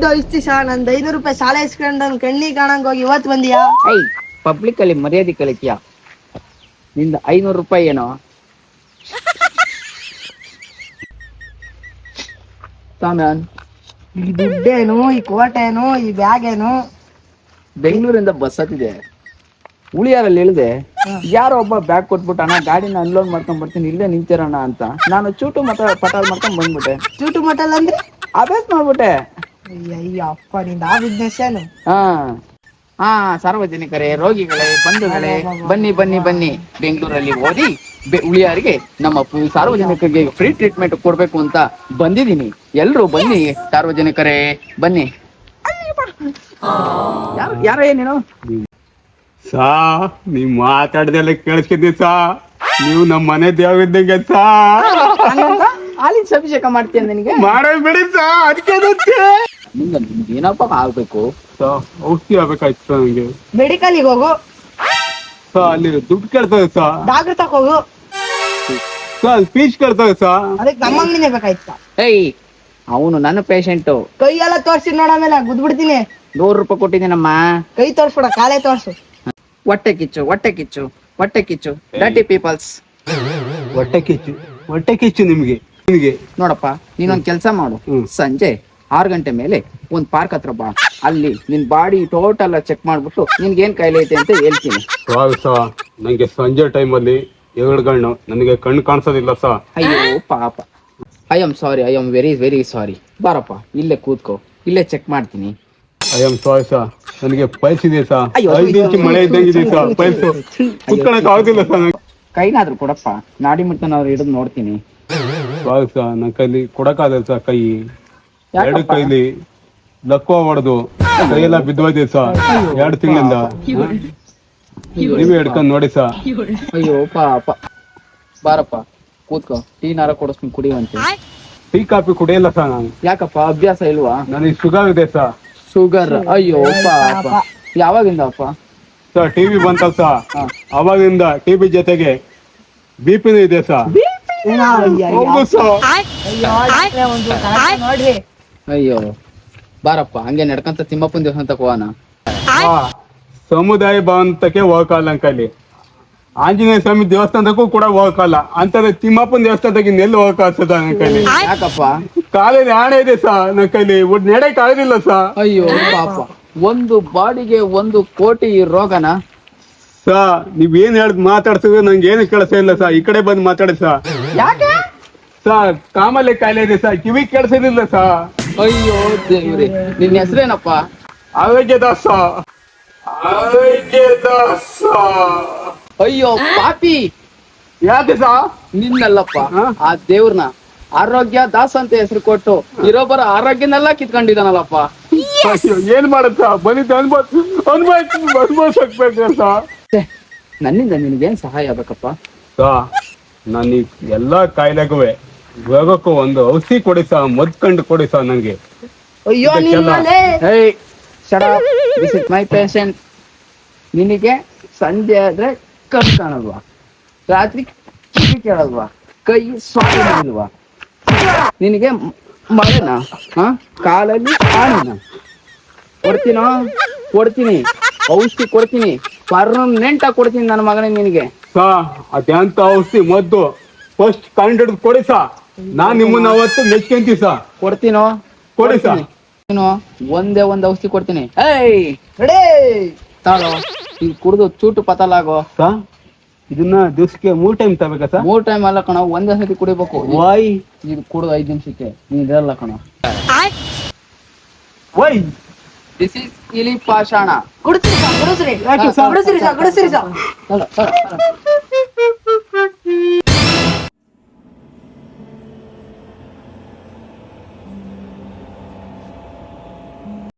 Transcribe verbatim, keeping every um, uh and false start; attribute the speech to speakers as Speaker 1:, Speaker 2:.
Speaker 1: ದುಡ್ಡು ಇಷ್ಟಿ ಸಾ ನಂದ್ ಐನೂರು ರೂಪಾಯಿ ಸಾಲ ಇಸ್ಕೊಂಡು ನನ್ ಕಣ್ಣಿ ಕಾಣಂಗ್ ಹೋಗಿ ಇವತ್ ಬಂದಿಯಾ?
Speaker 2: ಐ ಪಬ್ಲಿಕ್ ಅಲ್ಲಿ ಮರ್ಯಾದೆ ಕಲಿತೀಯ? ನಿಂದ ಐನೂರು ರೂಪಾಯಿ ಏನೋ ಸಾಮ್ಯಾನ್.
Speaker 1: ಈ ದುಡ್ಡೇನು, ಈ ಕೋಟೇನು, ಈ ಬ್ಯಾಗ್ ಏನು?
Speaker 2: ಬೆಂಗಳೂರಿಂದ ಬಸ್ ಹತ್ತಿದೆ, ಉಳಿಯಾರಲ್ಲಿ ಇಳಿದೆ. ಯಾರೋ ಒಬ್ಬ ಬ್ಯಾಗ್ ಕೊಟ್ಬಿಟ್ಟು ಅಣ್ಣ ಗಾಡಿನ ಅನ್ಲೋಡ್ ಮಾಡ್ಕೊಂಡ್ ಬರ್ತೀನಿ ಇಲ್ಲೇ ನಿಂತಿರೋಣ ಅಂತ. ನಾನು ಚೂಟು ಮತ ಪಟಾಲ್ ಮಾಡ್ಕೊಂಡ್ ಬಂದ್ಬಿಟ್ಟೆ.
Speaker 1: ಚೂಟು ಮಟಲ್ ಅಂದ್ರೆ
Speaker 2: ಅಭ್ಯಾಸ ಮಾಡ್ಬಿಟ್ಟೆ.
Speaker 1: ಅಯ್ಯ ಅಪ್ಪ ನಿಂದ ಆ ಬಿಸ್ನೆಸ್ ಏನು?
Speaker 2: ಹಾ ಹಾ ಸಾರ್ವಜನಿಕರೇ, ರೋಗಿಗಳೇ, ಬಂಧುಗಳೇ, ಬನ್ನಿ ಬನ್ನಿ ಬನ್ನಿ. ಬೆಂಗಳೂರಲ್ಲಿ ಓದಿ ಉಳಿಯಾರಿಗೆ ನಮ್ಮ ಸಾರ್ವಜನಿಕರಿಗೆ ಫ್ರೀ ಟ್ರೀಟ್ಮೆಂಟ್ ಕೊಡ್ಬೇಕು ಅಂತ ಬಂದಿದ್ದೀನಿ. ಎಲ್ರು ಬನ್ನಿ ಸಾರ್ವಜನಿಕರೇ ಬನ್ನಿ. ಯಾರು ಯಾರ ಏನೇನು
Speaker 3: ಸಾ ನೀವ್ ಮಾತಾಡ್ದೆಲ್ಲ ಕೇಳಿಸ್ಕಿದ್ದಿ ಸಾ. ನೀವು ನಮ್ ಮನೆ ದೇವಿದ್ದಂಗೆ ಸಾ.
Speaker 2: ಹಾಲಿನ ಅಭಿಷೇಕ ಮಾಡ್ತೀಯ ನಿನಗೆ?
Speaker 3: ಮಾಡೋ ಬಿಡಿ ಸಾ, ಅದಕ್ಕೆ
Speaker 2: ನಿಂಗ ಏನಪ್ಪ ಆಗ್ಬೇಕು?
Speaker 3: ಸಾ ಔಷಧಿ ಆಗ್ಬೇಕಾಯ್ತು ಸಾ ನಂಗೆ.
Speaker 1: ಮೆಡಿಕಲ್ಗೆ ಹೋಗು
Speaker 3: ಸಾ, ಅಲ್ಲಿ ದುಡ್ಡು ಕೇಳ್ತದೆ ಸಾ.
Speaker 1: ಡಾಕ್ಟರ್ ತಕ ಹೋಗು.
Speaker 3: ಸಾ ಸ್ಪೀಚ್ ಕೇಳ್ತದೆ ಸಾ.
Speaker 1: ಅದಕ್ಕೆ ನಮ್ಮ ಅಂಗಡಿನೇ ಬೇಕಾಯ್ತಾ?
Speaker 2: ಏಯ್ ಅವನು ನನ್ನ ಪೇಷಂಟು.
Speaker 1: ಕೈ ಎಲ್ಲ ತೋರ್ಸಿ ನೋಡಮೇಲೆ ಗುದ್ಬಿಡ್ತೀನಿ.
Speaker 2: ನೂರು ರೂಪಾಯಿ ಕೊಟ್ಟಿದ್ದೀನಮ್ಮ.
Speaker 1: ಕೈ ತೋರ್ಸ್ಬಿಡ, ಕಾಲೇ ತೋರ್ಸು.
Speaker 2: ಹೊಟ್ಟೆ ಕಿಚ್ಚು ಹೊಟ್ಟೆ ಕಿಚ್ಚು ಹೊಟ್ಟೆ ಕಿಚ್ಚು ಡರ್ಟಿ ಪೀಪಲ್ಸ್.
Speaker 3: ಹೊಟ್ಟೆ ಕಿಚ್ಚು ಹೊಟ್ಟೆ ಕಿಚ್ಚು ನಿಮ್ಗೆ ನಿಮ್ಗೆ
Speaker 2: ನೋಡಪ್ಪ, ನೀನೊಂದ್ ಕೆಲ್ಸ ಮಾಡು. ಸಂಜೆ ಆರು ಗಂಟೆ ಮೇಲೆ ಒಂದ್ ಪಾರ್ಕ್ ಹತ್ರ ಬಾ. ಅಲ್ಲಿ ನಿನ್ ಬಾಡಿ ಟೋಟಲ್ ಚೆಕ್ ಮಾಡ್ಬಿಟ್ಟು ನಿನ್ಗೆ ಏನ್ ಕಾಯಿಲೆ ಐತೆ ಅಂತ ಹೇಳ್ತೀನಿ.
Speaker 3: ಸಾ ನಂಗೆ ಸಂಜೆ ಟೈಮ್ ಅಲ್ಲಿ ಎರಡು ಗಣ್ಣು ನನಗೆ ಕಣ್ಣು ಕಾಣಿಸೋದಿಲ್ಲ ಸಾ.
Speaker 2: ಅಯ್ಯೋ ಪಾಪ. I am sorry, I am very very sorry. ಬಾರಪ್ಪ ಇಲ್ಲೇ ಕೂತ್ಕೋ, ಇಲ್ಲೇ ಚೆಕ್ ಮಾಡ್ತೀನಿ.
Speaker 3: ಐ ಆಮ್ ಸಾರಿ ಸಾ, ನನಗೆ ಪೈಲ್ಸ್ ಇದೆ ಸಾ.
Speaker 2: ಅಯ್ಯೋ,
Speaker 3: ಐದು ಇಂಚು ಮಳೆ ಇದ್ದಂಗಿದೆ ಸಾ. ಪೈಲ್ಸ್ ಕುತ್ಕೊಳಕ್ ಆಗುದಿಲ್ಲ ಸಾ.
Speaker 2: ಕೈನಾದ್ರು ಕೊಡಪ್ಪ, ನಾಡಿ ಮುಟ್ಟನಾದ್ರು ಹಿಡಿದು ನೋಡ್ತೀನಿ.
Speaker 3: ಸಾರಿ ಸಾ, ನನ್ನ ಕೈಲಿ ಕೊಡಕ್ಕಾಗಲ್ಲ ಸಾ. ಕೈ ಎರಡು
Speaker 2: ಯಾಕಪ್ಪ?
Speaker 3: ಕೈಲಿ ಲಕ್ವ ಹೊಡೆದು ಕೈಯೆಲ್ಲ ಬಿದ್ದೋಯ್ದೆ ಸಾ ಎರಡು ತಿಂಗಳಿಂದ. ನೀವೇ ಹಿಡ್ಕೊಂಡ್ ನೋಡಿ ಸಾ.
Speaker 2: ಅಯ್ಯೋ ಪಾಪ. ಬಾರಪ್ಪ ಕೂತ್ಕೋ, ಟೀ ನಾರ ಕೊಡಿಸ್ತೀನಿ ಕುಡಿಯುವಂತೆ.
Speaker 3: ಟೀ ಕಾಫಿ ಕುಡಿಯಲ್ಲ ಸಾ ನಾನು.
Speaker 2: ಯಾಕಪ್ಪ ಅಭ್ಯಾಸ ಇಲ್ವಾ?
Speaker 3: ನನಗೆ ಶುಗರ್ ಇದೆ ಸಾ.
Speaker 2: ಶುಗರ್? ಅಯ್ಯೋ ಪಾಪ. ಯಾವಾಗಿಂದ ಅಪ್ಪ?
Speaker 3: ಸಾ ಟಿವಿ ಬಂತಲ್ಲ ಸಾ, ಅವಾಗಿಂದ ಟಿವಿ ಜೊತೆಗೆ ಬಿ ಪಿನೂ ಇದೆ ಸಾ.
Speaker 1: ಏನೋ ಅಯ್ಯ, ಅಯ್ಯ.
Speaker 3: ಹೌದು ಸಾ.
Speaker 1: ಅಯ್ಯೋ, ಡಾಕ್ಟ್ರೇ, ಒಂದು ಕರೆಕ್ಟ್ ನೋಡ್ರಿ.
Speaker 2: ಅಯ್ಯೋ ಬಾರಪ್ಪ, ಹಂಗೆ ನಡ್ಕಂತ ತಿಮ್ಮಪ್ಪನ ದೇವಸ್ಥಾನಕ್ಕೆ ಹೋಗೋಣ.
Speaker 3: ಆ, ಸಮುದಾಯ ಭವನಕ್ಕೆ ಹೋಗಲ್ಲ ಅಂಕಲಿ, ಆಂಜನೇಯ ಸ್ವಾಮಿ ದೇವಸ್ಥಾನಕ್ಕೂ ಕೂಡ ಹೋಗಲ್ಲ ಅಂತಂದ್ರೆ ತಿಮ್ಮಪ್ಪನ ದೇವಸ್ಥಾನಕ್ಕೆ ನೆಲ್ಲಿ ಹೋಗಕ್ಕಾಗ್ತದ ನನ್ನ ಕೈಲಿ?
Speaker 2: ಯಾಕಪ್ಪ?
Speaker 3: ಕಾಲಲ್ಲಿ ಆಣೆ ಇದೆ ಸಾ ನನ್ನ ಕೈಲಿ, ಒಟ್ಟು ನೆಡಕ್ ಆಗೋದಿಲ್ಲ ಸಾ.
Speaker 2: ಅಯ್ಯೋ ಪಾಪ. ಒಂದು ಬಾಡಿಗೆ ಒಂದು ಕೋಟಿ ರೋಗನ
Speaker 3: ಸಾ. ನೀವ್ ಏನ್ ಹೇಳ್ದ್ ಮಾತಾಡ್ಸಿದ್ರೆ ನಂಗೆ ಏನು ಕೆಲಸ ಇಲ್ಲ ಸಾ. ಈ ಕಡೆ ಬಂದು ಮಾತಾಡಿ ಸಾ.
Speaker 2: ಯಾಕೆ
Speaker 3: ಸಾ ಕಾಮಲೆ ಕಾಯಿಲೆ ಇದೆ ಸಾ, ಕಿವಿ ಕೆಲ್ಸದಿಲ್ಲ ಸಾ.
Speaker 2: ಅಯ್ಯೋ ದೇವ್ರಿ, ನಿನ್ನ ಹೆಸರೇನಪ್ಪ?
Speaker 3: ಆರೋಗ್ಯದಾಸ ಆರೋಗ್ಯದಾಸ.
Speaker 2: ಅಯ್ಯೋ ಪಾಪಿ.
Speaker 3: ಯಾಕೆ ಸಾ?
Speaker 2: ನಿನ್ನಲ್ಲಪ್ಪ,
Speaker 3: ಹ? ಆ
Speaker 2: ಆ ದೇವ್ರನ್ನ ಆರೋಗ್ಯ ದಾಸ್ ಅಂತ ಹೆಸರು ಕೊಟ್ಟು ಇರೋಬ್ಬರ ಆರೋಗ್ಯನೆಲ್ಲ ಕಿತ್ಕೊಂಡಿದ್ದಾನಲ್ಲಪ್ಪ.
Speaker 3: ಅಯ್ಯೋ, ಏನ್ ಮಾಡತ್ತ ಬಂದಿದ್ದ ಅನ್ಭವ ಅನ್ಭವ ಅನ್ಭವಿಸ್ಬೇಕು ಸಾ.
Speaker 2: ನನ್ನಿಂದ ನಿನ್ಗೇನ್ ಸಹಾಯ ಆಗ್ಬೇಕಪ್ಪ?
Speaker 3: ಸಾ ನಾನು ಎಲ್ಲಾ ಕಾಯಿಲೆಗುವೆ ರೋಗಕ್ಕೂ ಒಂದು ಔಷಧಿ ಕೊಡಿ ಸಾ, ಮದ್ಕಂಡು ಕೊಡಿ ಸಾ ನಂಗೆ.
Speaker 1: ಅಯ್ಯೋ ನಿಮ್ಮನೆ
Speaker 2: Hey, shut up. This is my patient. ನಿನಗೆ ಸಂಜೆ ಆದ್ರೆ ಕಣ್ ಕಾಣಲ್ವಾ? ರಾತ್ರಿ ಕಿವಿ ಕೇಳಲ್ವಾ? ಕೈ ಸ್ವಾಮಿಲ್ವಾ? ನಿನಗೆ ಮಳೆನಾ? ಹ ಕಾಲಲ್ಲಿ ಆಣಿನ ಕೊಡ್ತೀನೋ? ಕೊಡ್ತೀನಿ, ಔಷಧಿ ಕೊಡ್ತೀನಿ, ಪರ್ಮನೆಂಟ್ ಆಗಿ ಕೊಡ್ತೀನಿ ನನ್ನ ಮಗನೇ ನಿನಗೆ.
Speaker 3: ಸಾ ಅದ್ಯಾಂತ ಔಷಧಿ ಮದ್ದು ಫಸ್ಟ್ ಕಂಡು ಹಿಡಿದು ಕೊಡಿ ಸಾ. ನಾನ್ ನಿಮ್ಮನ್ನ ಅವತ್ತು ಮೆಚ್ಕೊಂತೀವಿ ಸಾ.
Speaker 2: ಕೊಡ್ತೀನೋ?
Speaker 3: ಕೊಡಿ ಸಾ.
Speaker 2: ನೀನು ಒಂದೇ ಒಂದ್ ಔಷಧಿ ಕೊಡ್ತೀನಿ. ಏಯ್
Speaker 1: ರೆಡಿ
Speaker 2: ತಾಳೋ, ಈಗ ಕುಡ್ದು ಚೂಟು ಪತಲಾಗೋ.
Speaker 3: ಸಾ ಇದನ್ನ ದಿವ್ಸಕ್ಕೆ ಮೂರ್ ಟೈಮ್ ತಗೋಬೇಕಾ ಸಾ?
Speaker 2: ಮೂರ್ ಟೈಮ್ ಅಲ್ಲ ಕಣ, ಒಂದೇ ಸತಿ ಕುಡಿಬೇಕು.
Speaker 3: ವೈ
Speaker 2: ಇದು ಕುಡ್ದು ಐದ್ ನಿಮಿಷಕ್ಕೆ ನೀನ್ ಇರಲ್ಲ ಕಣ.
Speaker 3: ವೈ
Speaker 2: ದಿಸ್ ಇಸ್ ಇಲಿ ಪಾಷಾಣ.
Speaker 1: ಕುಡಿಸ್ರಿ ಸಾ, ಕುಡಿಸ್ರಿ
Speaker 3: ಯಾಕೆ ಸಾ?
Speaker 1: ಕುಡಿಸ್ರಿ ಸಾ, ಕುಡಿಸ್ರಿ ಸಾ.
Speaker 2: ತಗೋ, ತಗೋ, ತಗೋ.